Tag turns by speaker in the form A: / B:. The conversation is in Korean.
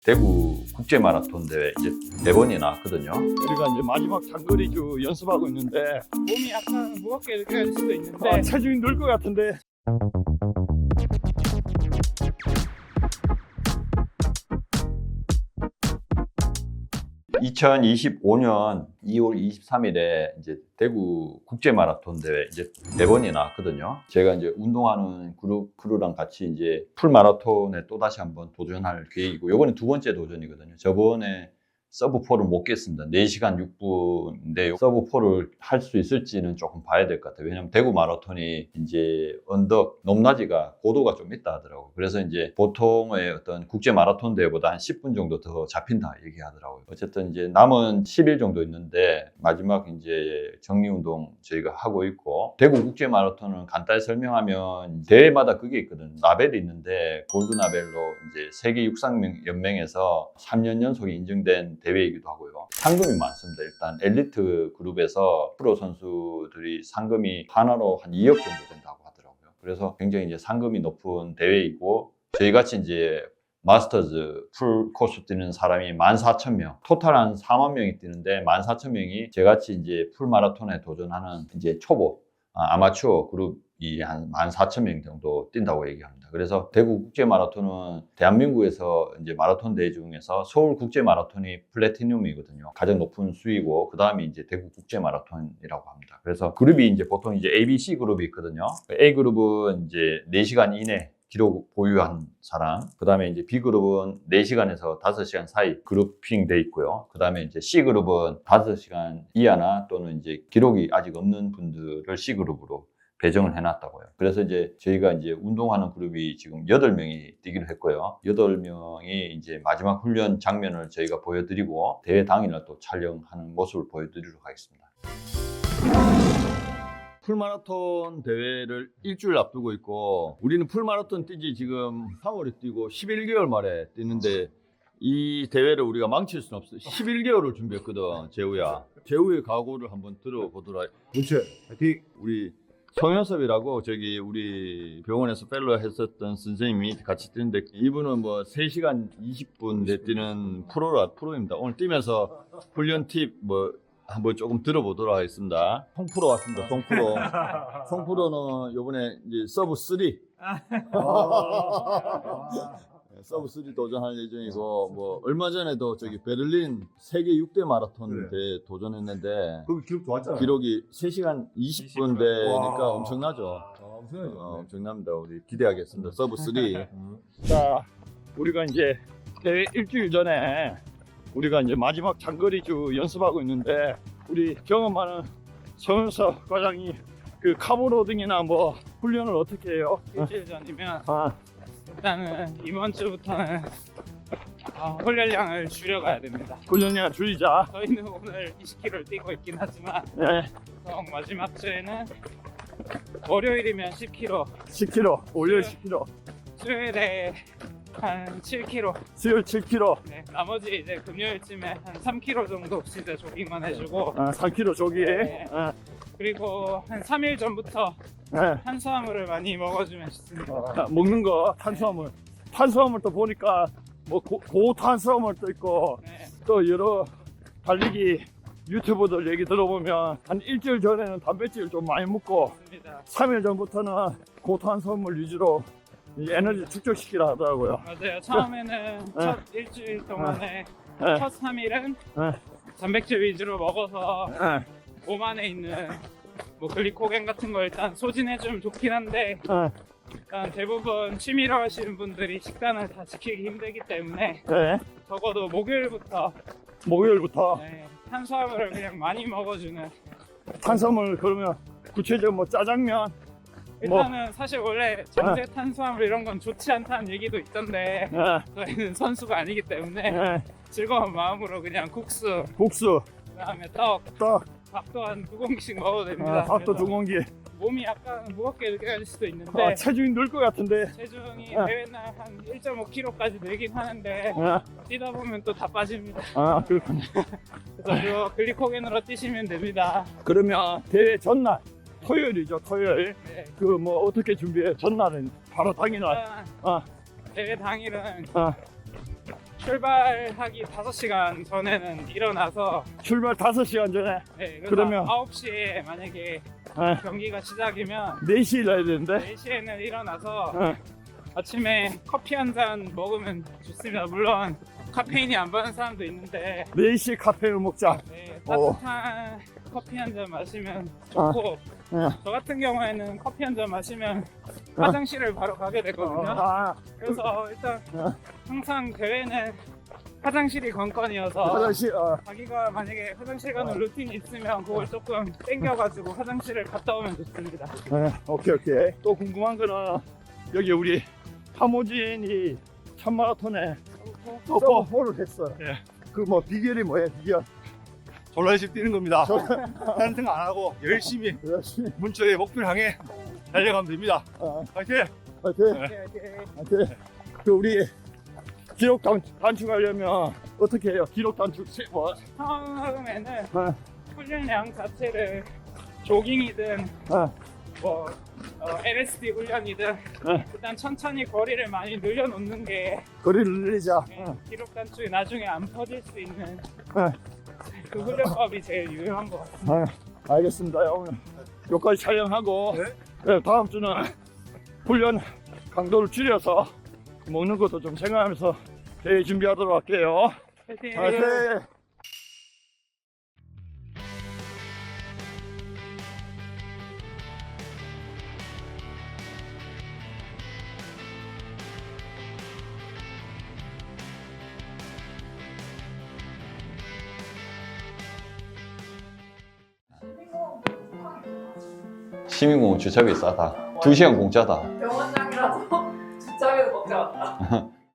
A: 대구 국제 마라톤 대회 이제 4번이 나왔거든요.
B: 우리가 이제 마지막 장거리주 연습하고 있는데
C: 몸이 약간 무겁게 느껴질 수도 있는데
B: 체중이 늘 것 같은데
A: 2025년 2월 23일에 이제 대구 국제 마라톤 대회 이제 4번이 나왔거든요. 제가 이제 운동하는 크루랑 같이 이제 풀 마라톤에 또 다시 한번 도전할 계획이고, 요번에 2번째 도전이거든요. 저번에 서브 4를 못 깼습니다. 4시간 6분인데 서브 4를 할 수 있을지는 조금 봐야 될 것 같아요. 왜냐면 대구 마라톤이 이제 언덕, 높낮이가 고도가 좀 있다 하더라고요. 그래서 이제 보통의 어떤 국제 마라톤 대회보다 한 10분 정도 더 잡힌다 얘기하더라고요. 어쨌든 이제 남은 10일 정도 있는데 마지막 이제 정리 운동 저희가 하고 있고, 대구 국제 마라톤은 간단히 설명하면 대회마다 그게 있거든요. 라벨이 있는데 골드 라벨로 이제 세계 육상 연맹에서 3년 연속에 인증된 대회이기도 하고요. 상금이 많습니다. 일단 엘리트 그룹에서 프로 선수들이 상금이 하나로 한 2억 정도 된다고 하더라고요. 그래서 굉장히 이제 상금이 높은 대회이고, 저희 같이 이제 마스터즈 풀 코스 뛰는 사람이 14,000명, 토탈 한 4만 명이 뛰는데 14,000명이 저같이 이제 풀 마라톤에 도전하는 이제 초보 아마추어 그룹이 한 14,000명 정도 뛴다고 얘기합니다. 그래서 대구 국제 마라톤은 대한민국에서 이제 마라톤 대회 중에서 서울 국제 마라톤이 플래티늄이거든요. 가장 높은 수위고, 그 다음이 이제 대구 국제 마라톤이라고 합니다. 그래서 그룹이 이제 보통 이제 A, B, C 그룹이 있거든요. A 그룹은 이제 4시간 이내 기록 보유한 사람, 그 다음에 이제 B그룹은 4시간에서 5시간 사이 그룹핑 돼 있고요. 그 다음에 이제 C그룹은 5시간 이하나 또는 이제 기록이 아직 없는 분들을 C그룹으로 배정을 해놨다고요. 그래서 이제 저희가 이제 운동하는 그룹이 지금 8명이 뛰기로 했고요. 8명이 이제 마지막 훈련 장면을 저희가 보여드리고, 대회 당일날 또 촬영하는 모습을 보여드리도록 하겠습니다.
B: 풀마라톤 대회를 일주일 앞두고 있고, 우리는 풀마라톤 뛴지 지금 3월에 뛰고 11개월 만에 뛰는데 이 대회를 우리가 망칠 수는 없어. 11개월을 준비했거든, 재우야. 재우의 각오를 한번 들어보도록 하겠습니다.
D: 그렇지. 파이팅.
B: 우리 성현섭이라고 저기 우리 병원에서 펠로우 했었던 선생님이 같이 뛰는데, 이분은 뭐 3시간 20분 내 뛰는 프로입니다. 오늘 뛰면서 훈련 팁 뭐 한번 조금 들어보도록 하겠습니다. 송프로 왔습니다. 송프로. 송프로는 요번에 이제 서브 3 서브 3 도전할 예정이고, 뭐 얼마 전에도 저기 베를린 세계 6대 마라톤 대회 도전했는데
D: 거기 기록 좋았잖아.
B: 기록이 3시간 20분 되니까
D: 와.
B: 엄청나죠.
D: 엄청나죠.
B: 엄청납니다. 우리 기대하겠습니다. 서브 3.
D: 자,
B: 우리가 이제 대회 일주일 전에 우리가 이제 마지막 장거리주 연습하고 있는데, 우리 경험 많은 성현석 과장이 그 카보로딩이나 뭐 훈련을 어떻게 해요?
C: 일주일 전이면
B: 아,
C: 일단은 이번 주부터는 훈련량을 줄여가야 됩니다.
B: 훈련량 줄이자.
C: 저희는 오늘 20km를 뛰고 있긴 하지만
B: 네,
C: 보통 마지막 주에는 월요일이면 10km,
B: 10kg, 월요일 10kg,
C: 수요일에 한 7km,
B: 수요일 7kg,
C: 네, 나머지 이제 금요일쯤에 한 3km 정도 진짜 조깅만 해주고,
B: 3kg 조기.
C: 네. 그리고 한 3일 전부터
B: 네.
C: 탄수화물을 많이 먹어주면 좋습니다.
B: 먹는 거 탄수화물 또 보니까 뭐 고탄수화물도 있고,
C: 네.
B: 또 여러 달리기 유튜버들 얘기 들어보면 한 일주일 전에는 단백질 좀 많이 먹고
C: 좋습니다.
B: 3일 전부터는 고탄수화물 위주로 이 에너지 축적시키라 하더라고요.
C: 맞아요. 처음에는 첫 일주일 동안에
B: 네.
C: 첫 3일은
B: 네.
C: 단백질 위주로 먹어서
B: 네.
C: 몸 안에 있는 뭐 글리코겐 같은 거 일단 소진해주면 좋긴 한데, 일단 대부분 취미로 하시는 분들이 식단을 다 지키기 힘들기 때문에
B: 네.
C: 적어도 목요일부터
B: 목요일부터
C: 탄수화물을 그냥 많이 먹어주는.
B: 탄수화물, 그러면 구체적으로 뭐 짜장면, 뭐
C: 일단은 사실 원래 정제 탄수화물 이런 건 좋지 않다는 얘기도 있던데, 저희는 선수가 아니기 때문에 즐거운 마음으로 그냥 국수,
B: 국수,
C: 그다음에 떡, 밥도 한 2공기씩 먹어도 됩니다.
B: 밥도
C: 그래서
B: 2공기.
C: 몸이 약간 무겁게 느껴질 수도 있는데
B: 체중이 늘 것 같은데.
C: 체중이 대회날 한 1.5kg까지 늘긴 하는데
B: 아,
C: 뛰다 보면 또 다 빠집니다.
B: 그렇군요.
C: 그래서 그거 글리코겐으로 뛰시면 됩니다.
B: 그러면 대회 전날 토요일이죠. 토요일.
C: 네.
B: 그 뭐 어떻게 준비해? 전날은 바로 당일날.
C: 일단 대회 당일은 출발하기 5시간 전에는 일어나서
D: 출발 5시간 전에
C: 네, 그래서
D: 그러면-
C: 9시에 만약에
D: 네.
C: 경기가 시작이면
D: 4시에 일어나야 되는데
C: 4시에는 일어나서
D: 네.
C: 아침에 커피 한 잔 먹으면 좋습니다. 물론 카페인이 안 받는 사람도 있는데
D: 4시에 카페인을 먹자.
C: 네,
D: 어.
C: 따뜻한 커피 한 잔 마시면 좋고
D: 네.
C: 저 같은 경우에는 커피 한 잔 마시면 화장실을 바로 가게 되거든요.
D: 아,
C: 그래서 일단
D: 어.
C: 항상 대회는 화장실이 관건이어서
D: 화장실
C: 자기가 만약에 화장실 가는 루틴이 있으면 그걸 조금 땡겨가지고 화장실을 갔다 오면 좋습니다.
D: 네. 오케이. 또 궁금한 거는 여기 우리 하모진이 참마라톤에 서버홀을 했어요.
B: 예.
D: 그 뭐 비결이 뭐예요? 비결?
B: 졸라 열심히 뛰는 겁니다. 다른 생각 안 하고 열심히
D: 열심히.
B: 문쪽의 목표를 향해 달려가면 됩니다. 파이팅!
D: 파이팅.
C: 네,
D: 파이팅. 그 우리 기록 단축하려면 어떻게 해요? 기록 단축 뭐?
C: 처음에는
D: 네.
C: 훈련량 자체를 조깅이든 뭐 LSD 훈련이든
D: 네.
C: 일단 천천히 거리를 많이 늘려놓는 게
D: 거리를 늘리자.
C: 기록 단축이 나중에 안 퍼질 수 있는
D: 네.
C: 그 훈련법이 제일 유용한 것 같습니다.
D: 알겠습니다. 오늘 여기까지 촬영하고 네, 다음 주는 훈련 강도를 줄여서 먹는 것도 좀 생각하면서 대회 준비하도록 할게요.
C: 파이팅!
D: 파이팅!
A: 시민공원 주차비 싸다. 2시간 공짜다.